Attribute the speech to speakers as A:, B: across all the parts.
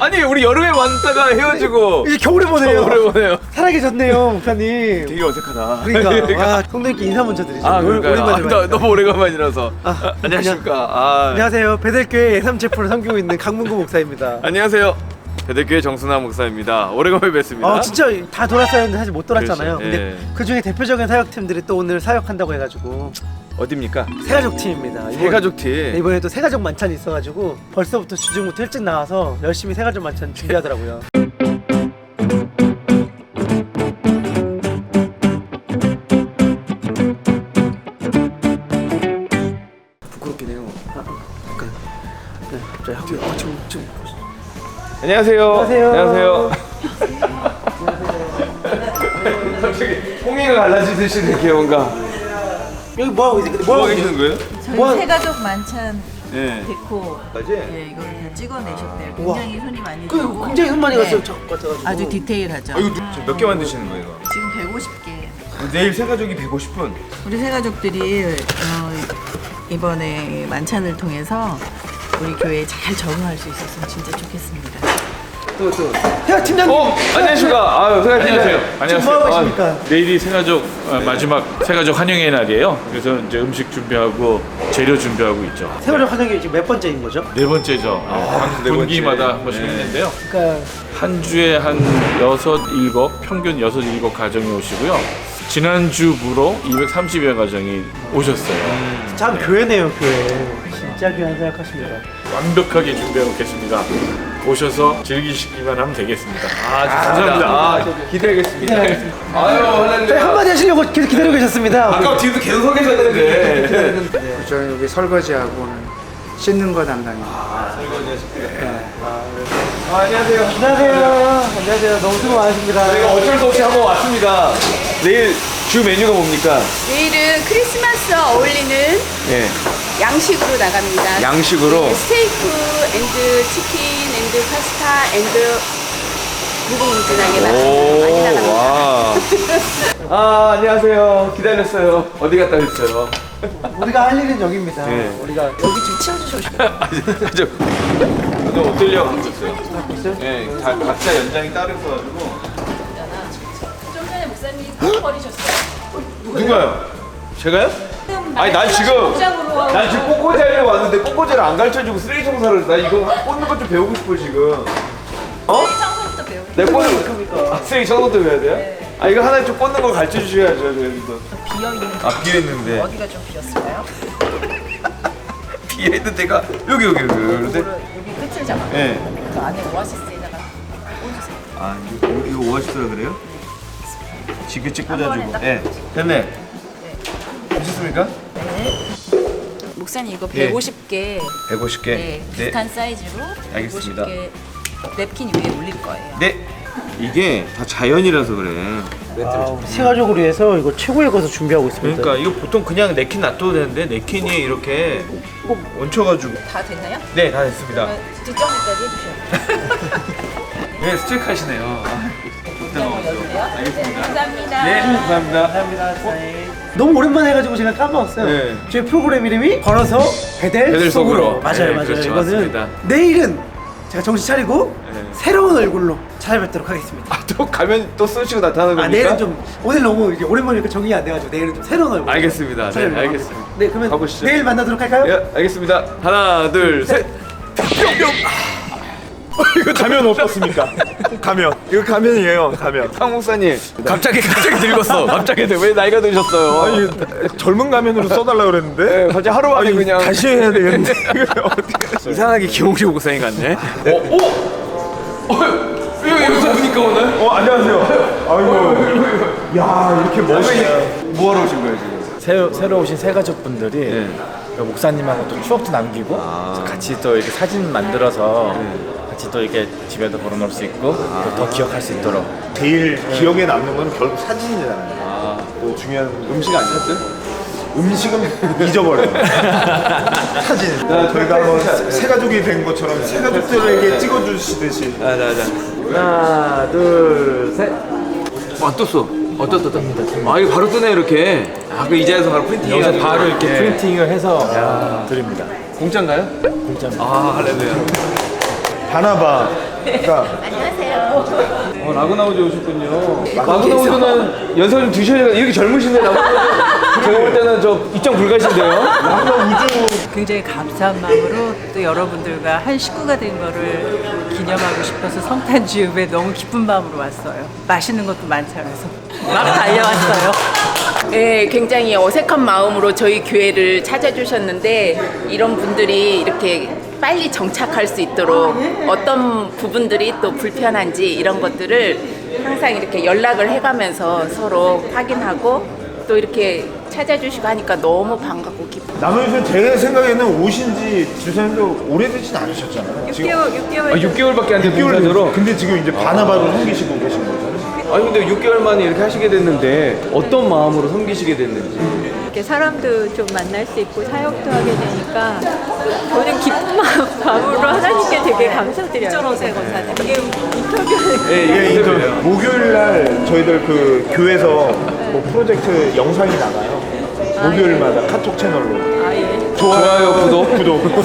A: 아니 우리 여름에 만났다가 헤어지고
B: 이제 겨울에 보네요.
A: 겨울에 보네요.
B: 살아계셨네요, 목사님.
A: 되게 어색하다.
B: 그러니까 성도님께 인사 먼저 드리죠.
A: 그러니까요. 너무 오래간만이라서. 안녕하십니까.
B: 안녕하세요. 베델교회 예삼체포를 섬기고 있는 강문구 목사입니다.
A: 안녕하세요. 베델교회 정순아 목사입니다. 오래간만에 뵙습니다.
B: 진짜 다 돌았어야 했는데 사실 못 돌았잖아요.
A: 그렇죠.
B: 근데 그 중에 대표적인 사역팀들이 또 오늘 사역한다고 해가지고
A: 어딥니까?
B: 새가족 팀입니다.
A: 새가족 팀.
B: 네, 이번에도 새가족 만찬이 있어가지고 벌써부터 주중부터 일찍 나와서 열심히 새가족 만찬 준비하더라고요.
A: 부끄럽긴 해요.
B: 네, 갑자기 학교 지금
A: 안녕하세요.
B: 안녕하세요.
A: 갑자기 홍이가 갈라지듯이 이렇게 뭔가
B: 여기 뭐 하고 계세요?
A: 뭐 하고 계시는 거예요?
C: 저희 새가족 만찬
A: 네.
C: 데코
A: 맞지?
C: 예, 이걸 다 찍어내셨대요.
B: 우와.
C: 굉장히 손이 많이
B: 그
C: 들고
B: 굉장히 손 많이
C: 네.
B: 갔어요. 저 같아가지고.
C: 아주 디테일하죠.
A: 지금 몇 개 만드시는 거예요?
C: 지금 150개.
A: 내일 새가족이 150분.
C: 우리 새가족들이 이번에 만찬을 통해서 우리 교회에 잘 적응할 수 있었으면 진짜 좋겠습니다.
B: 야 팀장님.
A: 안녕하십니까.
B: 지금 뭐 하고 계십니까?
D: 내일이 새가족 마지막 새가족 환영의 날이에요. 그래서 이제 음식 준비하고 재료 준비하고 있죠.
B: 새가족 환영회 지금 몇 번째인 거죠?
D: 네 번째죠.
A: 네
D: 분기마다
A: 번째.
D: 한 번씩
A: 네.
D: 했는데요.
B: 그러니까
D: 한 주에 한 6, 7, 평균 6, 7 가정이 오시고요. 지난주부로 230여 가정이 오셨어요.
B: 참 교회네요, 교회. 진짜 귀한 생각하십니다.
D: 완벽하게 준비해 놓겠습니다. 오셔서 즐기시기만 하면 되겠습니다.
A: 감사합니다. 기대하겠습니다. 아유,
B: 저희 한마디 하시려고 계속 기다리고 계셨습니다.
A: 아까 뒤에도 계속 서 계셨는데.
E: 저는 여기 설거지하고는 씻는 거 담당입니다.
A: 안녕하세요.
B: 안녕하세요. 너무 수고 많으십니다.
A: 저희가 어쩔 수 없이 한번 왔습니다. 내일 주 메뉴가 뭡니까?
F: 내일은 크리스마스 어울리는
A: 예.
F: 양식으로 나갑니다.
A: 양식으로.
F: 네, 스테이크 앤드 치킨 앤드 파스타 앤드 무궁무진하게 많이 나갑니다.
A: 와. 안녕하세요. 기다렸어요. 어디 갔다 오셨어요?
B: 우리가 할 일은 여기입니다.
A: 네.
B: 우리가
F: 여기 좀 치워주시고 싶어요.
A: 저 어떨려 갖고 있어요. 네, 각자 연장이 따로 있어가지고.
F: 좀 전에 목사님이 버리셨어요.
A: 누가요? 제가요? 아니 난 지금 꽃꽂이 하려고 왔는데 꽃꽂이를 안 가르쳐주고 쓰레기 청소를 나 이거 꽂는 것 좀 배우고 싶어 지금.
F: 청소부터 배우고
A: 내 꽂는 거 쓰레기 청소도 배워야 돼요? 아 이거 하나 좀 꽂는 거 가르쳐 주셔야죠 저희도.
F: 비어있는
A: 비어있는데
F: 어디가 좀 비었을까요?
A: 비어있는 데가 여기 그런데.
F: 여기 끝을 잡아.
A: 예.
F: 그 안에 오아시스에다가 꽂으세요.
A: 아 이거 오아시스라 그래요? 지그치
F: 한 번에
A: 꽂아주고.
F: 딱
A: 예. 됐네. 되셨습니까?
F: 목사님 이거
A: 예.
F: 150개
A: 150개.
F: 네, 비슷한 사이즈로
A: 알겠습니다.
F: 150개 냅킨 위에 올릴 거예요.
A: 네. 이게 다 자연이라서 그래.
B: 우리 새가족을 위해서 이거 최고의 것을 준비하고 있습니다.
A: 그러니까 이거 보통 그냥 냅킨 놔둬도 되는데 냅킨이 이렇게 꼭 얹혀가지고.
F: 다 됐나요?
A: 네, 다 됐습니다.
F: 뒷정리까지 해주셔야 돼요.
A: 네, 스트레이크 하시네요.
F: 알겠습니다. 감사합니다.
A: 네, 감사합니다.
B: 너무 오랜만에 해가지고 제가 까먹었어요.
A: 네.
B: 저희 프로그램 이름이 걸어서 베델
A: 베델
B: 속으로.
A: 속으로.
B: 맞아요,
A: 네,
B: 맞아요.
A: 그렇죠,
B: 이거는
A: 맞습니다.
B: 내일은 제가 정신 차리고
A: 네.
B: 새로운 얼굴로 찾아뵙도록 하겠습니다.
A: 또 가면 또 쓰시고 나타나는 겁니까?
B: 내일은 좀 오늘 너무 이게 오랜만이니까 정리가 안 돼가지고 내일은 좀 새로운 얼굴.
A: 알겠습니다. 네,
B: 찾아뵙도록
A: 알겠습니다.
B: 하겠습니다. 네, 그러면
A: 가보시죠.
B: 내일 만나도록 할까요?
A: 예, 알겠습니다. 하나, 둘, 셋. 이거 가면 어떻습니까? 가면. 이거 가면이에요. 가면. 상 목사님. 갑자기 늙었어. 갑자기 왜 나이가 드셨어요?
G: 아니 젊은 가면으로 써달라 그랬는데
A: 네, 갑자기 하루 만에 그냥
G: 다시 해야 되겠는데
A: 이상하게 기홍식 목사님 같네. 이거 여기서 보니까 오늘?
G: 안녕하세요. 아이고 야 이렇게 멋있네.
A: 뭐하러 오신 거예요 지금?
H: 새로 오신 새 가족분들이
A: 네.
H: 그 목사님하고 또 추억도 남기고 같이 또 이렇게 사진 만들어서 같이 또 이렇게 집에도 걸어놓을 수 있고 또 더 기억할 수 있도록.
G: 제일 기억에 남는 건 결국 사진이잖아요. 또 중요한
A: 음식 안 샀어요?
G: 음식은 잊어버려요. 사진. 저희가 한번 새 가족이 된 것처럼 새 가족들에게 찍어주시듯이.
A: 하나, 둘, 셋. 떴어. 떴다. 아, 이거 바로 뜨네, 이렇게. 아, 그 이자에서 바로 프린팅
H: 여기서
A: 해가지고.
H: 바로 이렇게
A: 네.
H: 프린팅을 해서 드립니다.
A: 공짜인가요?
H: 공짜입니다.
A: 아, 할렐루야.
G: 바나바 그러니까
A: 라구나우즈 오셨군요. 라구나우즈는 연세가 좀 드셔야 돼. 이렇게 젊으신데 라구나우즈 제가 볼 때는 저 입장 불가신데요.
C: 굉장히 감사한 마음으로 또 여러분들과 한 식구가 된 거를 기념하고 싶어서 성탄주읍에 너무 기쁜 마음으로 왔어요. 맛있는 것도 많잖아요. 막 달려왔어요.
I: 네, 굉장히 어색한 마음으로 저희 교회를 찾아주셨는데 이런 분들이 이렇게 빨리 정착할 수 있도록 어떤 부분들이 또 불편한지 이런 것들을 항상 이렇게 연락을 해가면서 서로 확인하고 또 이렇게 찾아주시고 하니까 너무 반갑고 기뻐요.
G: 남은이는 제 생각에는 오신 지 주사님도 오래되진 않으셨잖아요.
A: 6개월밖에 안 된
G: 6개월
A: 동사로.
G: 근데 지금 이제 바나바를 섬기시고 계신 거잖아요.
A: 아니 근데 6개월 만에 이렇게 하시게 됐는데 어떤 마음으로 섬기시게 됐는지.
J: 이렇게 사람도 좀 만날 수 있고 사역도 하게 되니까 저는 기쁜 마음으로 하나님께 되게 감사드려요. 이게 인터뷰는
G: 예, 목요일 날 저희들 그 교회에서 뭐 프로젝트 영상이 나가요. 목요일마다 카톡 채널로.
J: 아 예.
A: 좋아요, 구독.
G: 구독.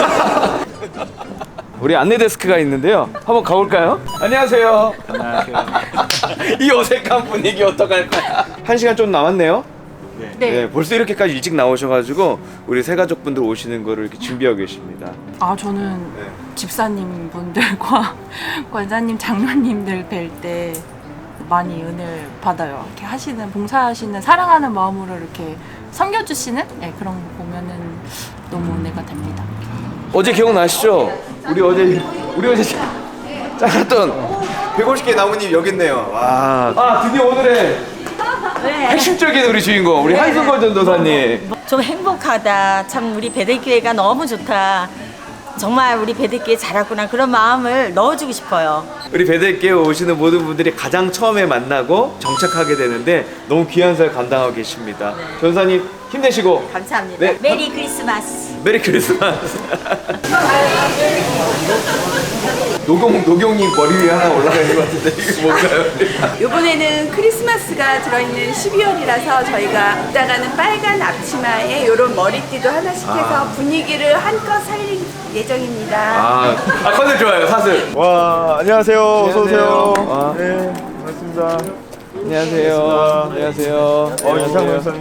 A: 우리 안내 데스크가 있는데요. 한번 가볼까요? 안녕하세요. 이 어색한 분위기 어떡할 거야. 1시간 좀 남았네요. 네. 벌써 이렇게까지 일찍 나오셔가지고 우리 새 가족분들 오시는 거를 이렇게 준비하고 계십니다.
C: 아, 저는 집사님 분들과 권사님, 장로님들 뵐 때 많이 은혜를 받아요. 이렇게 하시는, 봉사하시는, 사랑하는 마음으로 이렇게 섬겨주시는 그런 거 보면은 너무 은혜가 됩니다.
A: 어제 기억나시죠? 우리 어제 짜갔던 150개 나무님 여기 있네요. 와. 아 드디어 오늘의 핵심적인 우리 주인공 우리 한승걸 전도사님.
F: 좀 행복하다. 참 우리 베들교회가 너무 좋다. 정말 우리 베들교회 잘하구나. 그런 마음을 넣어주고 싶어요.
A: 우리 베들교회 오시는 모든 분들이 가장 처음에 만나고 정착하게 되는데 너무 귀한 살 감당하고 계십니다. 전사님 힘내시고.
F: 감사합니다.
A: 네.
F: 메리 크리스마스.
A: 메리 크리스마스. 노경님 머리 위에 하나 올라가 있는 것 같은데 이게 뭔가요?
I: 이번에는 크리스마스가 들어있는 12월이라서 저희가 이따가는 빨간 앞치마에 이런 머리띠도 하나씩 해서 분위기를 한껏 살릴 예정입니다.
A: 컨셉 좋아요. 사슬.
G: 와, 안녕하세요. 어서 오세요.
A: 아.
G: 네, 반갑습니다.
A: 안녕하세요. 안녕하세요.
G: 이상훈 선생님.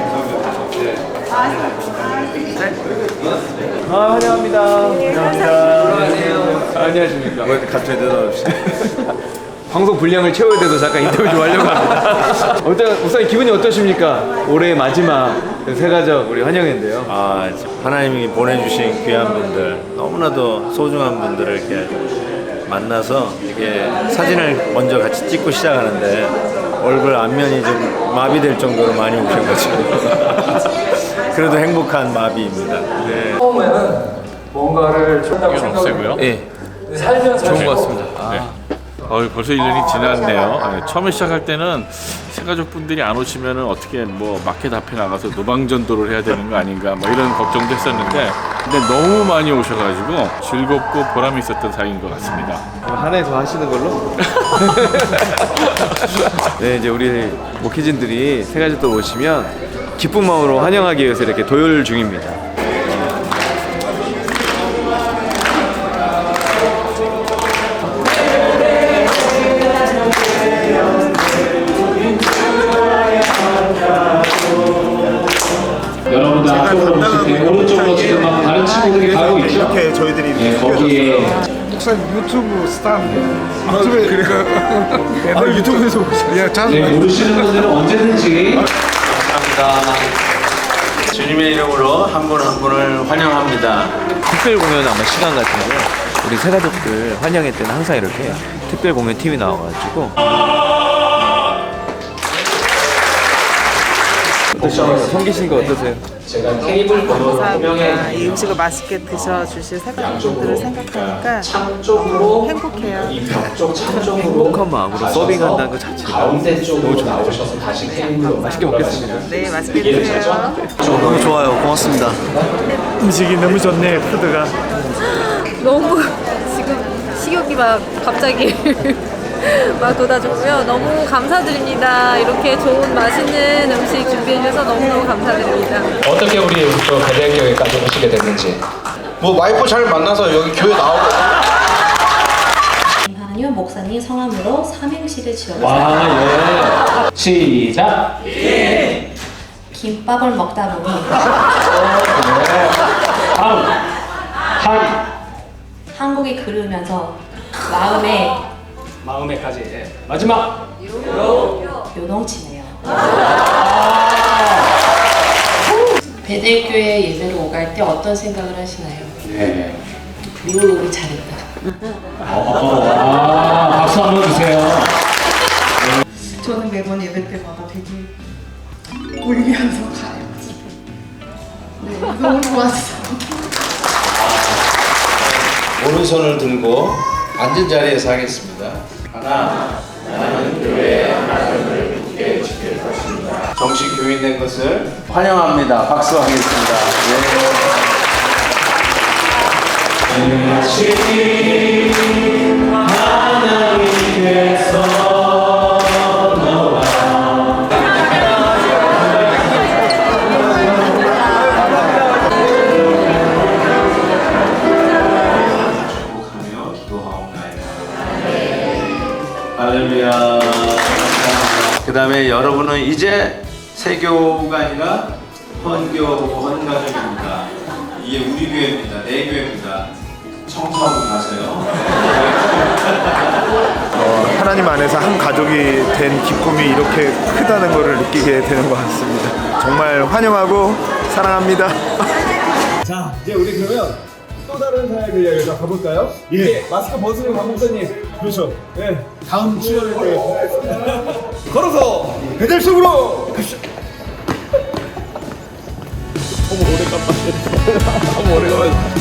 A: 환영합니다.
G: 안녕하세요.
A: 안녕하십니까.
G: 왜 갑자기 대답없이?
A: 방송 분량을 채워야 돼서 잠깐 인터뷰 좀 하려고 합니다. 일단 목사님 기분이 어떠십니까? 올해 마지막 새가족 우리 환영회인데요.
K: 아, 하나님이 보내주신 귀한 분들, 너무나도 소중한 분들을 이렇게 만나서 이게 사진을 먼저 같이 찍고 시작하는데 얼굴 앞면이 좀 마비될 정도로 많이 오셔가지고 그래도 행복한 마비입니다. 네.
D: 처음에는 뭔가를 좀 없애고요.
A: 예.
D: 좋은 것 같습니다. 네. 벌써 1년이 지났네요. 처음에 시작할 때는 새가족분들이 안 오시면은 어떻게 뭐 마켓 앞에 나가서 노방전도를 해야 되는 거 아닌가 뭐 이런 걱정도 했었는데 근데 너무 많이 오셔가지고 즐겁고 보람이 있었던 사이인 것 같습니다.
A: 한 해 더 하시는 걸로? 네, 이제 우리 목회진들이 새가족들 오시면 기쁜 마음으로 환영하기 위해서 이렇게 도열 중입니다.
L: 여러분들 앞쪽으로 오실 때 오른쪽으로 지금 막 다른 친구들이 가고 있죠?
G: 이렇게 저희들이
L: 네, 거기에
E: 유튜브 스타. 유튜브에 유튜브에서 보시죠.
L: 네, 모르시는 분들은 언제든지
K: 주님의 이름으로 한 분 한 분을 환영합니다.
A: 특별 공연 아마 시간 같은데요. 우리 새가족들 환영회 때는 항상 이렇게 특별 공연 팀이 나와가지고 어떠십니까? 섬기신 거 어떠세요?
L: 제가 테이블 번호
C: 감사합니다. 이 음식을 맛있게 드셔주실 새가족분들을 생각하니까
L: 쪽으로
C: 행복해요.
L: 이벽쪽 창쪽으로
A: 행복한 마음으로 서빙한다는 것 자체가
L: 가운데 쪽으로 나오셔서 다시 테이블로
A: 맛있게 먹겠습니다.
C: 네, 맛있게 드세요.
G: 너무 좋아요. 고맙습니다.
B: 음식이 너무 좋네. 푸드가.
J: 너무 지금 식욕이 막 갑자기 막 돋아졌고요. 너무 감사드립니다. 이렇게 좋은 맛있는 음식 준비해 주셔서 너무너무 감사드립니다.
L: 어떻게 우리 또 베델교회까지 오시게 됐는지
G: 뭐 와이프 잘 만나서 여기 교회 나오고
M: 김용윤 목사님 성함으로 삼행시를 지어주세요.
L: 와, 예. 시작.
M: 김밥을 먹다 보니 한국이 그리우면서
L: 마음에까지. 마지막.
M: 요동치네요.
N: 베델교회 예배로 오갈 때 어떤 생각을 하시나요?
L: 네.
N: 미국 우리 잘했다.
L: 박수 한번 주세요.
O: 저는 매번 예배 때마다 되게 울면서 가요. 네, 너무 좋았어요.
K: 오른손을 들고 앉은 자리에서 하겠습니다. 하나, 나는 교회의 하나님을 굳게 지킬 것입니다. 정식 교인된 것을 환영합니다. 박수하겠습니다.
L: 하나님께서
K: 할렐루야. 그 다음에 여러분은 이제 세교가 아니라 헌가족입니다. 이게 우리 교회입니다. 내 교회입니다. 청소하고 가세요.
G: 하나님 안에서 한 가족이 된 기쁨이 이렇게 크다는 것을 느끼게 되는 것 같습니다. 정말 환영하고 사랑합니다.
A: 자, 이제 우리 그러면 또 다른 사역을 이야기해서 가볼까요? 예. 마스크 벗으면 강 목사님. 그렇죠. 예. 다음 출연을 때 걸어서 배달 속으로 갑시다. 너무 오래간만에. 너무 오래간만에.